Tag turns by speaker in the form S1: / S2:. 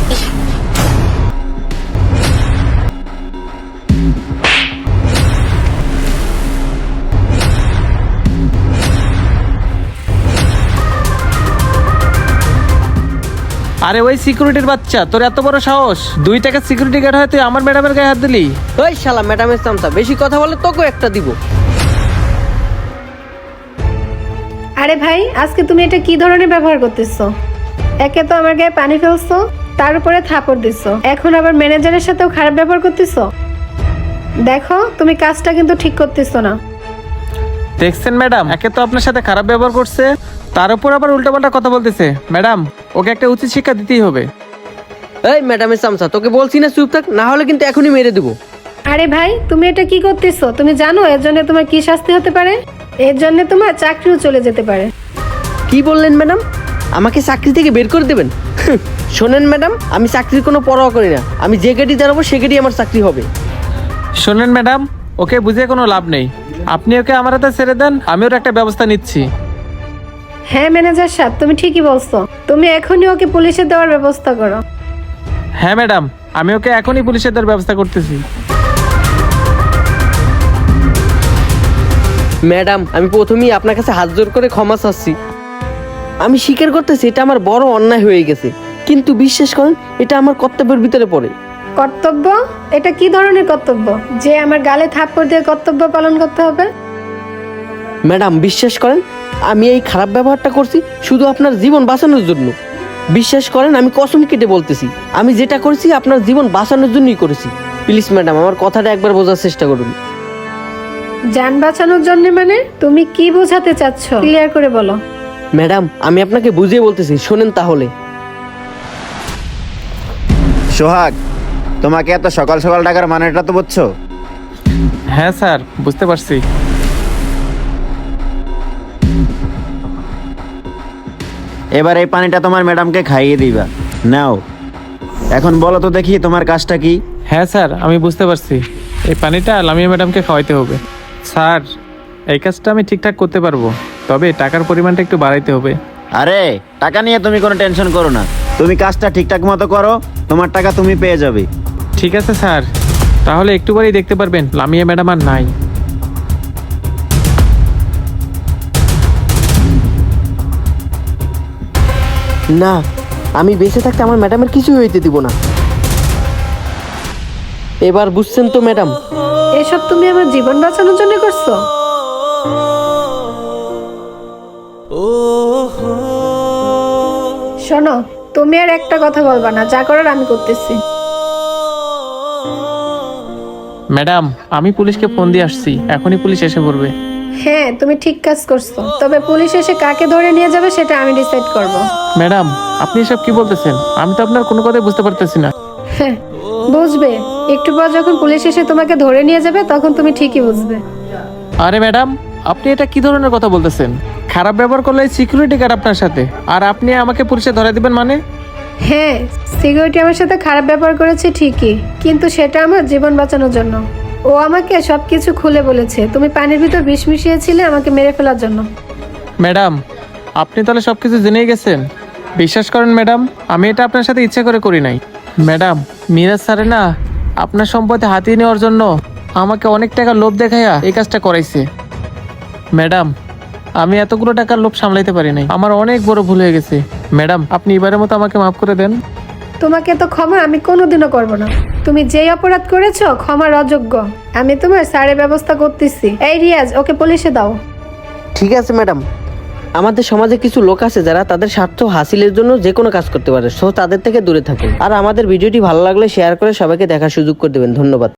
S1: আরে ওই সিকিউরিটির বাচ্চা, তোর এত বড় সাহস! 2 টাকা সিকিউরিটি গার্ড হয় তুই আমার ম্যাডামের গায়ে হাত দিলি?
S2: ওই শালা ম্যাডামের চামচা, বেশি কথা বলে তোকেও একটা দিব।
S3: আরে ভাই, আজকে তুমি এটা কি ধরনের ব্যবহার করতেছো? একে তো আমার গায়ে পানি ফেলছো, তার উপরে থাপড় দিছো, এখন আবার ম্যানেজারের সাথেও খারাপ ব্যবহার করতেছো। দেখো, তুমি কাজটা কিন্তু ঠিক করতেছো না।
S1: দেখছেন ম্যাডাম, একে তো আপনার সাথে খারাপ ব্যবহার করছে, তার উপর আবার উল্টাপাল্টা কথা বলতেছে। ম্যাডাম, ওকে একটা উচিত শিক্ষা দিতেই হবে।
S2: এই ম্যাডামের চামচা, তোকে বলছি না চুপ থাক, না হলে কিন্তু এখনই মেরে দেবো।
S3: আরে ভাই, তুমি এটা কি করতেছো? তুমি জানো এর জন্য তোমার কি শাস্তি হতে পারে? এর জন্য তোমার চাকরিও চলে যেতে পারে।
S2: কি বললেন ম্যাডাম? আমাকে চাকরি থেকে বের করে দেবেন? শোনেন ম্যাডাম, আমি চাকরির কোনো পরোয়া করি না। আমি যে গেটে দাঁড়াবো সে গেটেই আমার চাকরি হবে।
S1: শোনেন ম্যাডাম, ওকে বুঝিয়ে কোনো লাভ নেই। আপনি ওকে আমার হাতে ছেড়ে দেন, আমি ওর একটা ব্যবস্থা নিচ্ছি।
S3: হ্যাঁ ম্যানেজার সাহেব, তুমি ঠিকই বলছো। তুমি এখনই ওকে পুলিশে দেওয়ার ব্যবস্থা করো।
S1: হ্যাঁ ম্যাডাম, আমি ওকে এখনই পুলিশের দেওয়ার ব্যবস্থা করতেছি।
S2: ম্যাডাম, আমি প্রথমেই আপনার কাছে হাত জোর করে ক্ষমা চাচ্ছি। আমি স্বীকার করতেছি এটা আমার বড় অন্যায় হয়ে গেছে, কিন্তু বিশ্বাস করেন এটা আমার কর্তব্যের ভিতরে পড়ে।
S3: কর্তব্য? এটা কি ধরনের কর্তব্য যে আমার গালে থাপ্পড় দিয়ে কর্তব্য পালন করতে হবে?
S2: ম্যাডাম, বিশ্বাস করেন আমি এই খারাপ ব্যবহারটা করছি শুধু আপনার জীবন বাঁচানোর জন্য। বিশ্বাস করেন, আমি কসম কেটে বলতেছি, আমি যেটা করেছি আপনার জীবন বাঁচানোর জন্যই করেছি। প্লিজ ম্যাডাম, আমার কথাটা একবার বোঝার চেষ্টা করুন।
S3: যান বাঁচানোর জন্য মানে? তুমি কি বোঝাতে চাচ্ছ, ক্লিয়ার করে বলো।
S2: ম্যাডাম, আমি আপনাকে বুঝিয়ে বলতেছি, শোনেন তাহলে।
S4: সোহাগ, তোমাকে এত সকাল সকাল ডাকার মানেটা তো বুঝছো?
S1: হ্যাঁ স্যার, বুঝতে পারছি।
S4: এবার এই পানিটা তোমার ম্যাডামকে খাইয়ে দিবা। নাও, এখন বলো তো দেখি তোমার কাজটা কি?
S1: হ্যাঁ স্যার, আমি বুঝতে পারছি। এই পানিটা লামিয়া ম্যাডামকে খাওয়াইতে হবে। স্যার, এই কাজটা আমি ঠিকঠাক করতে পারবো, তবে টাকার পরিমাণটা একটু বাড়াইতে হবে।
S4: আরে, টাকা নিয়ে তুমি কোনো টেনশন করো না। তুমি কাজটা ঠিকঠাক মতো করো, তোমার টাকা তুমি পেয়ে যাবে।
S1: ঠিক আছে স্যার, তাহলে একটুবারই দেখতে পারবেন লামিয়া ম্যাডাম আর নাই।
S2: না, আমি বেঁচে থাকতে আমার ম্যাডামের কিছু হইতে দিব না। এবার বুঝছেন তো ম্যাডাম?
S3: এসব তুমি আমার জীবন বাঁচানোর জন্য করছো? শোনো, তুমি আর একটা কথা বলবা না, যা করার আমি করতেছি।
S1: ম্যাডাম, আমি পুলিশকে ফোন দিয়ে আসছি, এখনই পুলিশ এসে পড়বে।
S3: হ্যাঁ, তুমি ঠিক কাজ করছো, তবে পুলিশ এসে কাকে ধরে নিয়ে যাবে সেটা আমি ডিসাইড করব।
S1: ম্যাডাম, আপনি এসব কি বলতেছেন? আমি তো আপনার কোনো কথাই বুঝতে পারতেছি না।
S3: হ্যাঁ, বুঝবে একটু পর, যখন পুলিশ এসে তোমাকে ধরে নিয়ে যাবে তখন তুমি ঠিকই বুঝবে।
S1: আরে ম্যাডাম, আপনি এটা কি ধরনের কথা বলতেছেন? খারাপ ব্যবহার করলে সিকিউরিটি গার্ড আপনার সাথে, আর আপনি আমাকে পুলিশে ধরে দিবেন মানে?
S3: হ্যাঁ, সিকিউরিটি আমার সাথে খারাপ ব্যবহার করেছে ঠিকই, কিন্তু সেটা আমার জীবন বাঁচানোর জন্য। ও আমাকে সবকিছু খুলে বলেছে। তুমি পানির ভিতর বিষ মিশিয়েছিলে আমাকে মেরে ফেলার জন্য।
S1: ম্যাডাম, আপনি তাহলে সবকিছু জেনেই গেছেন। বিশ্বাস করেন ম্যাডাম, আমি এটা আপনার সাথে ইচ্ছা করে করি নাই। ম্যাডাম, মিরাজ স্যারে না আপনার সম্পত্তি হাতিয়ে নেওয়ার জন্য আমাকে অনেক টাকা লোভ দেখাইয়া এই কাজটা করাইছে। ম্যাডাম, আমি এতগুলো টাকার লোভ সামলাইতে পারি নাই, আমার অনেক বড় ভুল হয়ে গেছে। ম্যাডাম, আপনি এবারের মতো আমাকে মাফ করে দেন।
S3: তোমাকে তো ক্ষমা আমি কোনোদিনও করব না। তুমি যেই অপরাধ করেছো ক্ষমার অযোগ্য। আমি তোমার স্যারের ব্যবস্থা করতেছি। এই রিয়াজ, ওকে পুলিশে দাও।
S2: ঠিক আছে ম্যাডাম। আমাদের সমাজে কিছু লোক আছে যারা তাদের স্বার্থ হাসিলের জন্য যে কোনো কাজ করতে পারে, সো তাদের থেকে দূরে থাকুন। আর আমাদের ভিডিওটি ভালো লাগলে শেয়ার করে সবাইকে দেখার সুযোগ করে দেবেন। ধন্যবাদ।